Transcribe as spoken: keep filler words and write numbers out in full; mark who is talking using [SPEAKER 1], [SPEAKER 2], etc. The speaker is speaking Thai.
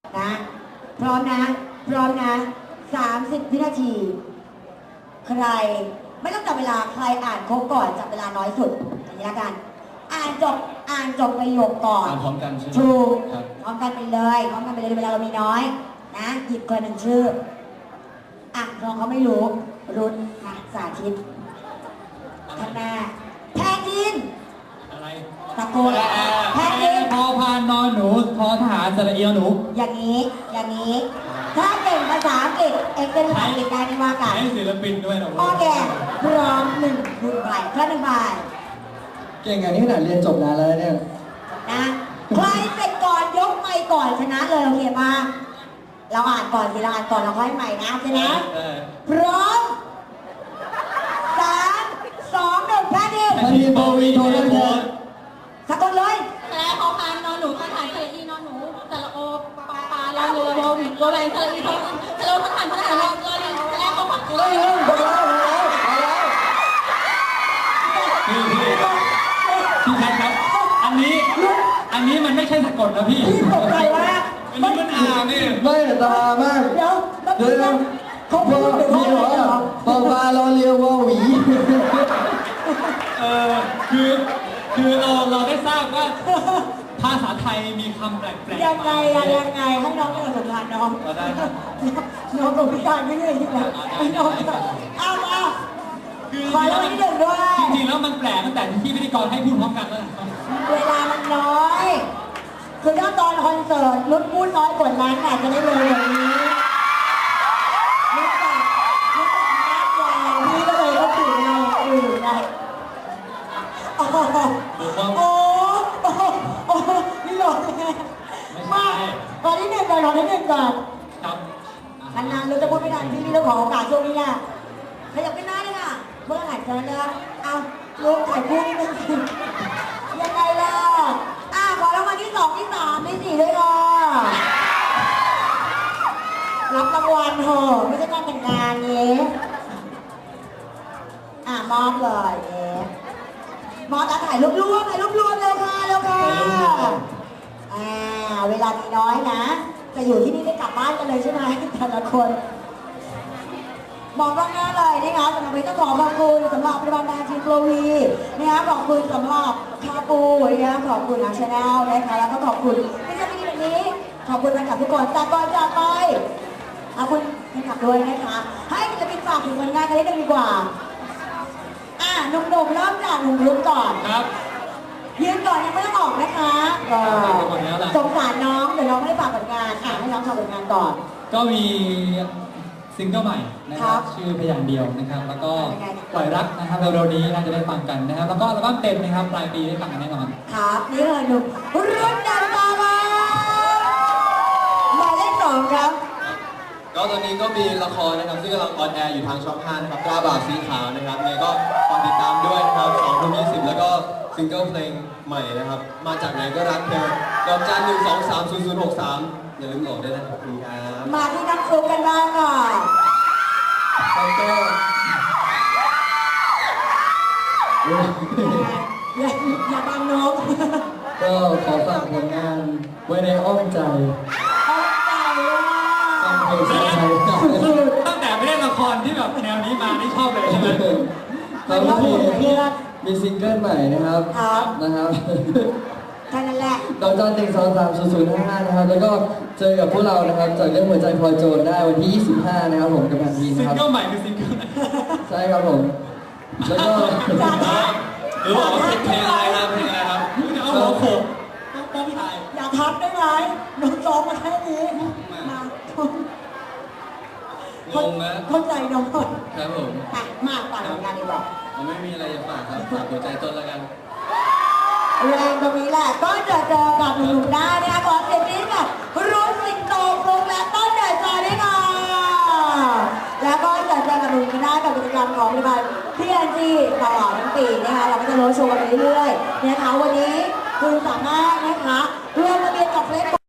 [SPEAKER 1] นะพร้อมนะพร้อมนะสามสิบวินาทีใครไม่ต้องจับเวลาใครอ่านครบก่อนจับเวลาน้อยสุดอย่างนี้ละกันอ่านจบอ่านจบประโยคก่อน
[SPEAKER 2] อ่านพร้อมกันใช่ไหม
[SPEAKER 1] ถูก
[SPEAKER 2] ครับ
[SPEAKER 1] พร้อมกันไปเลยพร้อมกันไปเลยเวลาเรามีน้อยนะหยิบคนหนึ่งชื่ออ่ะน้องเขาไม่รู้รุ่นนะสาธิตข้างหน้าแพทิน
[SPEAKER 2] อะไร
[SPEAKER 1] ตะโกนแพทิน
[SPEAKER 2] พอพานนอนหนูทอทหารสระเอียวหนู
[SPEAKER 1] อย่างนี้อย่างนี้ถ้าเก่งภาษาอังกฤษเอกเป็นภาษาอังกฤษได้ไม่ว่ากัน
[SPEAKER 2] ให้ศิลปินด้วยนะ
[SPEAKER 1] โอเคพร้อมหนึ่งหนึ่งใบแค่หนึ่งใบ
[SPEAKER 3] เก่งอย่างนี้ขนาดเรียนจบนานแล้วเนี่ย
[SPEAKER 1] นะใครเสร็จก่อนยกไมค์ก่อนชนะเลยโอเคป่ะเราอ่านก่อนสิเราอ่านก่อนเราค่อยใหม่นะใช่ไหม
[SPEAKER 2] เออ
[SPEAKER 1] พร้อมสามสองหนึ่งแพ้ดิ
[SPEAKER 2] แพทินโบวีโทรโพส
[SPEAKER 1] สะกดเลย
[SPEAKER 4] แสลพอพานนอนหนูทหารสระอีนอนหนูสระโอปลาปลาลอเรือโบวิโบแรงสระอีทองสระโอทหารทหารรอรอลิงแสลพอพาน
[SPEAKER 1] เฮ้ยเฮ้ยหมดแล้วหมดแล้วหมดแล้ว
[SPEAKER 2] พี่พี่พี่แพทครับ อันนี้ อันนี้มันไม่ใช่สะกดนะพี่
[SPEAKER 1] พี่ตกใจว่า
[SPEAKER 2] อันนี้มันอ่านนี่
[SPEAKER 3] ไม่แต่ตามาก
[SPEAKER 1] เดี๋ยวแล้ว
[SPEAKER 3] เดี๋ยว
[SPEAKER 1] พี่
[SPEAKER 3] นะ
[SPEAKER 1] เขา
[SPEAKER 3] พ
[SPEAKER 1] พู
[SPEAKER 3] อ
[SPEAKER 1] ดถึง
[SPEAKER 3] มี
[SPEAKER 1] ว่า
[SPEAKER 3] เหรอ
[SPEAKER 1] เหรอ
[SPEAKER 3] ปอปลารอเรือวอหวี
[SPEAKER 2] เออคือคือเราเราได้ทราบว่าภาษาไทยมีคำแปลกๆ
[SPEAKER 1] ยังไงอะยังไงให้น้องเป็นสัมพันธ์น้อง
[SPEAKER 2] เอาได้ครับ
[SPEAKER 1] น้องตกพิการไม่เลยที่ไหนให้น้องเอามา
[SPEAKER 2] คือ
[SPEAKER 1] ขอรางวัลที่หนึ่งด้วย
[SPEAKER 2] จริงๆแล้วมันแปลกตั้งแต่ที่พิธีกรให้พูดพร้อมกันแล้วนะครับ
[SPEAKER 1] เวลามันน้อย คือถ้าตอนคอนเสิร์ตรุ่นพูดน้อยกว่านั้นอาจจะได้เลยแบบนี้รู้จักรู้จักมากกว่าพี่ก็เลยก็ตื่นเราอื่นนะโอ้โหโอ้โหโอ้โหนี่หลอกแม่มาตอนที่หนึ่งก่อนตอนที่หนึ่งก่อน
[SPEAKER 2] ครับ
[SPEAKER 1] นานๆเราจะพูดไม่ทันพี่พี่ต้องขอโอกาสช่วงนี้นะขยับขึ้นหน้าเลยค่ะเมื่อไหร่จะนะเอาลูกถ่ายคู่นิดนึงสิยังไงล่ะอ่ะขอรางวัลที่สองที่สามที่สี่ด้วยค่ะรับรางวัลเถอะไม่ใช่การแต่งงานเนี้อ่ะมอบเลยเนี้มอบแล้วถ่ายรูปรวมถ่ายรูปรวมเร็วค่ะเร็วค่ะอ่าเวลามีน้อยนะ จะอยู่ที่นี่ได้กลับบ้านกันเลยใช่ไหมแต่ละคน มองกล้องหน้าเลยนะคะสำหรับวันนี้ต้องขอขอบคุณสำหรับปฏิบัติการทีมโปรวีนะคะขอบคุณสำหรับคาปูนะคะขอบคุณอาชาแนลนะคะแล้วก็ขอบคุณที่จะมีแบบนี้ขอบคุณแฟนคลับทุกคนจากก่อนจากไปขอบคุณแฟนคลับด้วยนะคะให้ศิลปินฝากถึงผลงานกันนิดนึงดีกว่าอ่ะหนุ่มๆเริ่มจากหนุ่มรุ่นก่อน
[SPEAKER 2] ครับ
[SPEAKER 1] ยืนก่อนยังไม่ต้องออกนะคะก็
[SPEAKER 2] หมดแล้วล่ะ
[SPEAKER 1] สงสารน้องเดี๋ยวน้องไม่ได้ฝากผลงานอ่ะให้น้องฝากผลงานก่อน
[SPEAKER 2] ก็มีซิงเกิลใหม่นะค
[SPEAKER 1] ครั
[SPEAKER 2] รั
[SPEAKER 1] บบ
[SPEAKER 2] ชื่อพยางค์เดียวนะครับ แล้วก็
[SPEAKER 1] เป็นไง
[SPEAKER 2] ปล่อยรักนะครับเร็วๆนี้น่าจะได้ฟังกันนะครับ แล้วก็อัลบั้มเต็มนะครับปลายปีได้ฟังกันแน่นอน
[SPEAKER 1] ครับนี่เลยหนุ่มรุ่นดังมามาหมายเลขสองครับ
[SPEAKER 5] ก็ตอนนี้ก็มีละครนะครับซึ่งกำลังออนแอร์อยู่ทางช่องห้านะครับกล้าบ่าวสีขาวนะครับเนี่ยก็ฝากติดตามด้วยนะครับสองทุ่มยี่สิบแล้วก็ซิงเกิลเพลงใหม่นะครับ มาจากไหนก็รักเธอดอกจันหนึ่งสองสามศูนย์ศูนย์หกสามอย่าลืมโหลดด้วยนะครับขอบคุณครับ
[SPEAKER 1] มาที่น้ำซุปกันบ้างค่ะ
[SPEAKER 3] แล้วก็
[SPEAKER 1] อย่าอย่าบังนก
[SPEAKER 3] ก็ขอฝากผลงานไว้ในอ้อมใจ
[SPEAKER 1] เอาใจว่า
[SPEAKER 3] ฟังเพลงไทยๆกับ
[SPEAKER 2] คือตั้งแต่ไม่ได้ละครที่แบบแนวนี้มานี่ชอบเลยใช่ไหม
[SPEAKER 3] แล้วก็มีมีซิงเกิลใหม่นะครับ
[SPEAKER 1] ครับ
[SPEAKER 3] นะครับ
[SPEAKER 1] แค่นั้นแหละ
[SPEAKER 3] ดอกจันหนึ่งสองสามศูนย์ศูนย์ห้าห้านะครับ แล้วก็เจอกับพวกเรานะครับจากเรื่องหัวใจพลอยโจรได้วันที่ยี่สิบห้านะครับผมกับแพนทีน
[SPEAKER 2] ซิ
[SPEAKER 3] นะ
[SPEAKER 2] ง
[SPEAKER 3] ครับ
[SPEAKER 2] เกิลใหม่คือซิงเกิลไหน
[SPEAKER 3] ใช่ครับผม แล้วก็
[SPEAKER 1] อย่าทัก
[SPEAKER 5] หรือบอกว่าเพลงอะไรครับเพลงอะไรครับ
[SPEAKER 2] จะเอาหัวโขก
[SPEAKER 1] ต้องถ่ายอย่าทักได้ไหมน้องซ้อมมาแค่นี้มาง
[SPEAKER 5] งนะ
[SPEAKER 1] เข้าใจน้องหมด
[SPEAKER 5] ครับผม
[SPEAKER 1] อ่ะมาฝากผลงานดีกว่า
[SPEAKER 5] ผมไม่มีอะไรจะฝากครับฝากหัวใจต้นแล้วกัน
[SPEAKER 1] แรงตรงนี้แหละก็จะเจอกับหนุ่มๆได้นะคะขอเสียงนี้กับรุ่นสิงโตฟลุกและต้นเดือดจอยด้วยค่ะแล้วก็จะเจอกับหนุ่มๆได้กับกิจกรรมของบริษัทพีเอ็นจีตลอดทั้งปีนะคะเราก็จะโรดโชว์กันไปเรื่อยๆนะคะวันนี้คุณสามารถนะคะร่วมทะเบียนกับเฟซ